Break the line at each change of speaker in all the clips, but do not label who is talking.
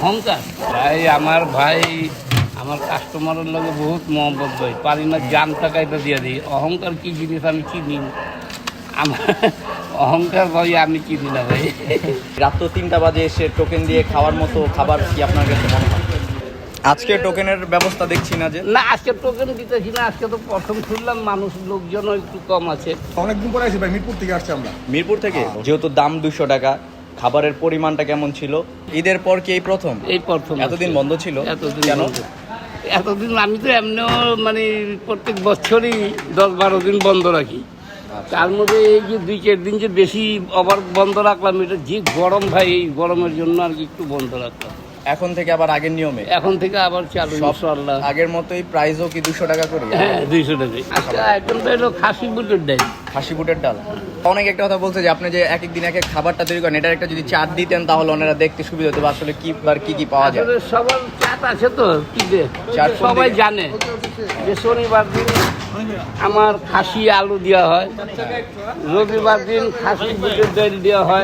অহংকার ভাই আমার ভাই আমার কাস্টমারের লগে বহুত মহব্বত ভাই পারি না জান টাকাইটা দিয়ে দিই অহংকার কি জিনিস আমি চিনি না। আমার অহংকার ভাই আমি চিনি না ভাই।
রাত 3টা বাজে এসে টোকেন দিয়ে খাওয়ার মতো খাবার কি আপনার কাছে মনে হয়? আজকে টোকেনের ব্যবস্থা দেখছি না যে।
না আজকে টোকেন দিতেছি না, আজকে তো প্রথম শুনলাম মানুষ লোকজনও একটু কম আছে।
অনেকদিন পরে আসি ভাই, মিরপুর থেকে আসছি আমরা।
মিরপুর থেকে? যেহেতু দাম 200 টাকা, খাবারের পরিমাণটা কেমন ছিল? ঈদের পর কি এই প্রথম?
এই প্রথম।
এতদিন বন্ধ ছিল?
এতদিন
কেন?
এতদিন আমি তো এমনিও মানে প্রত্যেক বছরই 10-12 দিন বন্ধ রাখি। তার মধ্যে এই যে 2-4 দিন যে বেশি আবার বন্ধ রাখলাম, এটা যে গরম ভাই, এই গরমের জন্য আর কি একটু বন্ধ রাখলাম।
এখন থেকে আবার আগের নিয়মে?
এখন থেকে আবার চালু ইনশাআল্লাহ।
আগের মতোই প্রাইসও কি 200 টাকা করে?
হ্যাঁ 200 টাকা। আচ্ছা এখন তো এলো খাসি বুটের ডাল।
খাসি বুটের ডাল। অনেক একটা কথা বলছে যে আপনি যে এক এক দিন এক এক খাবারটা তৈরি করেন, এটার একটা যদি চাট দিতেন তাহলে ওনারা দেখতে সুবিধা হতো। আসলে কি বার কি পাওয়া যায়?
আসলে সবার চাট আছে তো কি দে
চাট
সবাই জানে যে শনিবার দিন আমার খাসি আলু দেওয়া হয়, রবিবার দিন খাসি বুটের ডাল দেওয়া হয়,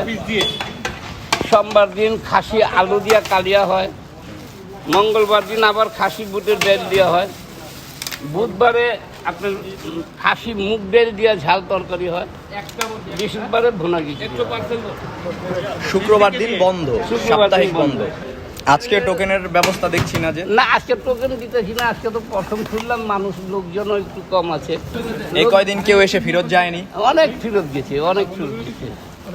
সোমবার দিন খাসি আলু দিয়া কালিয়া হয়, মঙ্গলবার দিন আবার খাসি বুটের ডাল দেওয়া হয়, বুধবারে আপনার খাসি মুগ ডাল দিয়া ঝাল তরকারি হয়, বৃহস্পতিবারে ভুনা খিচুড়ি।
শুক্রবার দিন বন্ধ,
শুক্রবার
সাপ্তাহিক
দিন
বন্ধ। আজকে টোকেনের ব্যবস্থা দেখছি না যে।
না আজকে টোকেন দিতেছি না, আজকে তো প্রথম শুনলাম মানুষ লোকজনও একটু কম আছে।
এই কয়দিন কেউ এসে ফেরত যায়নি?
অনেক ফেরত গেছে, অনেক ফেরত গেছে।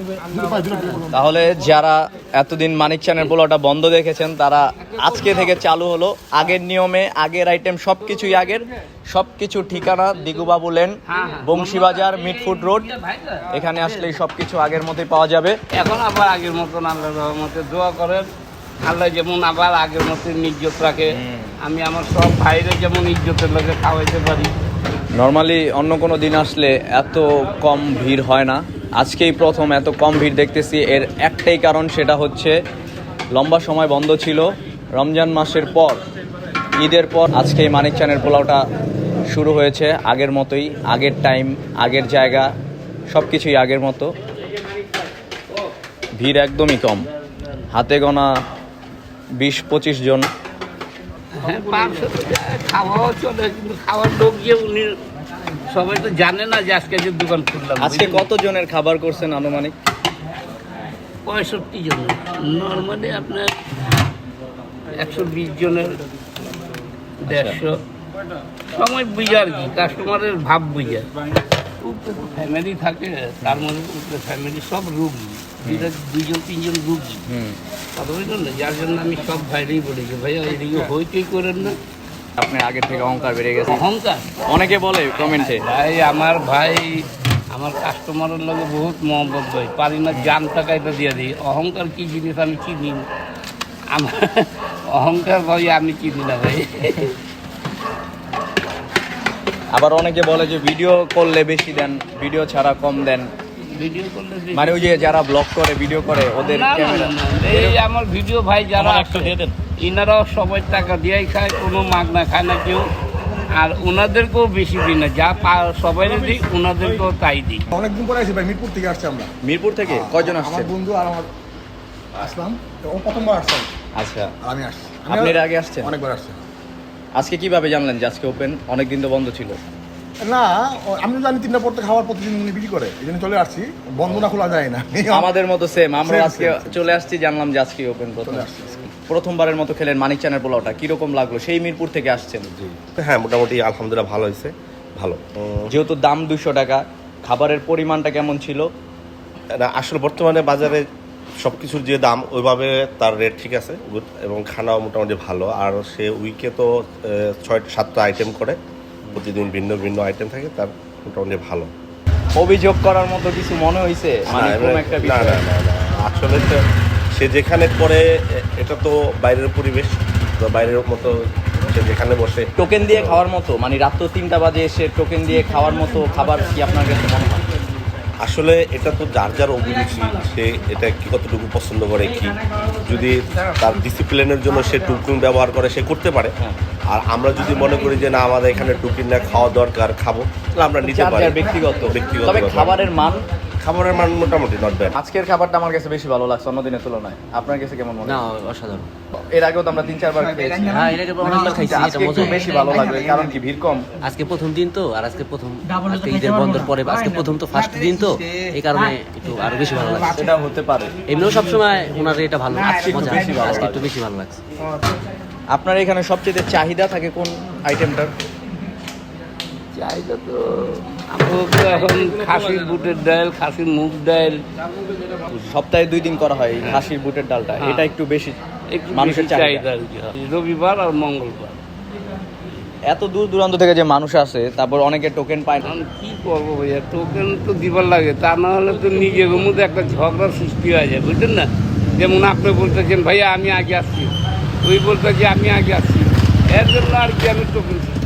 তাহলে যারা এতদিন মানিক চ্যানেল পোলাওটা বন্ধ দেখেছেন তারা আজকে থেকে চালু হলো আগের নিয়মে, আগের আইটেম সবকিছুই আগের, সবকিছু ঠিকানা Digubabu lane, Bangshibazar, Mitford road. এখানে আসলেই সবকিছু আগের মতোই পাওয়া যাবে।
এখন আবার আগের মতন আল্লাহর রহমতে দোয়া করেন, আল্লাহ যেমন আবার আগের মতন ইজ্জত রাখে, আমি আমার সব ভাইরে যেমন ইজ্জতের লোকে খাওয়াইতে পারি।
নর্মালি অন্য কোনো দিন আসলে এত কম ভিড় হয় না, আজকেই প্রথম এত কম ভিড় দেখতেছি। এর একটাই কারণ, সেটা হচ্ছে লম্বা সময় বন্ধ ছিল। রমজান মাসের পর, ঈদের পর আজকেই মানিক চ্যানেল পোলাওটা শুরু হয়েছে আগের মতোই, আগের টাইম, আগের জায়গা, সব কিছুই আগের মতো। ভিড় একদমই কম, হাতে গোনা 20-25 জন।
হ্যাঁ 500 খাওয়াও চলে, কিন্তু খাওয়ার লোক যে উনি সবাই তো জানে না যে আজকে যে দোকান খুললাম।
আজকে কত জনের খাবার করছেন আনুমানিক?
65 জন। নর্মালি আপনার 120 জনের 150 সময় বুঝে আর কি, কাস্টমারের ভাব বুঝে। ফ্যামিলি থাকে, তার মধ্যে ফ্যামিলি সব রুগী, 2-3 রুগী, কথা বুঝলেন না? যার জন্য আমি সব ভাইরেই বলি যে ভাইয়া এদিকে হইচই করেন না।
আপনি আগের থেকে অহংকার বেড়ে গেছে।
অহংকার
অনেকে বলে কমেন্টে
ভাই আমার কাস্টমারের লগে বহুত মহব্বত ভাই পারি না জান টাকাইটা দিয়ে দিই অহংকার কি জিনিস আমি চিনি না। আমার অহংকার ভাই আমি চিনি না ভাই।
আবার অনেকে বলে যে ভিডিও করলে বেশি দেন, ভিডিও ছাড়া কম দেন।
ভিডিও করলে
মানে ওই যে যারা ব্লগ করে, ভিডিও করে, ওদের
না, না,
ক্যামেরা।
না, না, এই আমার ভিডিও ভাই যারা ইনারাও সবাই টাকা দিয়েই খায়, কোনো মাগনা খায় না কেউ। আর ওনাদেরকেও বেশি দিই না, যা সবাই দিই ওনাদেরকেও তাই দিই।
অনেকদিন পরে আসি ভাই, মিরপুর থেকে আসছি আমরা।
মিরপুর থেকে কয়জন
আমার
আসছেন?
বন্ধু আর আমার আসলাম, ও প্রথমবার আসলাম।
আচ্ছা,
আর আমি আসছি।
আপনি এর আগে আসছেন?
অনেকবার আসছি।
আজকে কিভাবে জানলেন যে আজকে ওপেন? অনেকদিন তো বন্ধ ছিল।
না আমি তো জানি 3টা পর থেকে খাবার প্রতিদিন উনি বিক্রি করে, এই জন্য চলে আসছি। বন্ধ না খোলা যায় না।
আমাদের মতো সেম, আমরা
Same,
আজকে
same.
চলে আসছি, জানলাম যে আজকে ওপেন প্রথম।
চলে আসছি।
প্রথমবারের মতো খেলেন মানিক চ্যানেল পোলাওটা, কিরকম লাগলো? সেই মিরপুর থেকে আসছেন।
হ্যাঁ মোটামুটি আলহামদুলিল্লাহ ভালো হয়েছে, ভালো।
যেহেতু দাম 200 টাকা, খাবারের পরিমাণটা কেমন ছিল?
না, আসলে বর্তমানে বাজারে সব কিছুর যে দাম, ওইভাবে তার রেট ঠিক আছে, good, এবং খানাও মোটামুটি ভালো। আর সে উইকে তো 6-7টা আইটেম করে, প্রতিদিন ভিন্ন ভিন্ন আইটেম থাকে, তার মোটামুটি ভালো।
অভিযোগ করার মতো কিছু মনে হয়েছে? মানে কোন একটা
না
বিষয়?
না না না, আসলে তো সে যেখানে করে, এটা তো বাইরের পরিবেশ, তো বাইরের মতো সে যেখানে বসে।
টোকেন দিয়ে খাওয়ার মতো, মানে রাত 3টা বাজে এসে টোকেন দিয়ে খাওয়ার মতো খাবার কি আপনার কাছে মনে হয়?
আসলে এটা তো যার যার অভিরুচি, সে এটা কি কতটুকু পছন্দ করে, কি যদি তার ডিসিপ্লিনের জন্য সে টুকিং ব্যবহার করে, সে করতে পারে। আর আমরা যদি মনে করি যে না আমাদের এখানে টুকিং না খাওয়া দরকার, খাবো, তাহলে আমরা নিতে
যার
পারি।
যার ব্যক্তিগত।
ব্যক্তিগত
তবে
ব্যাপার।
খাবারের মান
খাবারের মান মোটামুটি নট ব্যাড।
আজকের খাবারটা আমার কাছে বেশি ভালো লাগছে অন্য দিনের তুলনায়। আপনার কাছে কেমন মনে
না
হয়?
অসাধারণ।
এর আগেও তো আমরা 3-4 বার খেয়েছি।
হ্যাঁ এর আগে অনেকবার খাইছি, এটা
আজকে একটু
মজা।
বেশি ভালো লাগবে, কারণ কি ভিড় কম।
আজকে প্রথম দিন তো, আর আজকে ঈদের বন্ধের পরে আজকে প্রথম তো ফার্স্ট দিন তো, এই কারণে একটু আরো বেশি ভালো লাগছে।
সেটা হতে পারে।
এমনিও সবসময় ওনার এটা ভালো
আজকে একটু
মজা,
বেশি ভালো
আজকে একটু
লাগছে।
বেশি ভালো লাগছে।
আপনার এখানে সবচেয়ে চাহিদা থাকে কোন আইটেমটার?
চাহিদা তো আমাদের তো এখন খাসির বুটের ডাল, খাসির মুগ ডাল,
সপ্তাহে 2 দিন করা হয় এই খাসির বুটের ডালটা,
হ্যাঁ।
এটা একটু বেশি
একটু
মানুষের
বেশি
চাহিদা।
চাহিদা আর কি হয়। রবিবার আর মঙ্গলবার।
এত দূর দূরান্ত থেকে যে মানুষ আসে, তারপর অনেকে টোকেন পায় না।
এখন কি করবো ভাইয়া, টোকেন তো দিবার লাগে, তা না হলে তো নিজের মধ্যে একটা ঝগড়ার সৃষ্টি হয়ে যায়, বুঝলেন না? যেমন আপনি বলতেছেন ভাইয়া আমি আগে আসছি, ওই বলতেছি আমি আগে আসছি, এর জন্য আর কি আমি টোকেন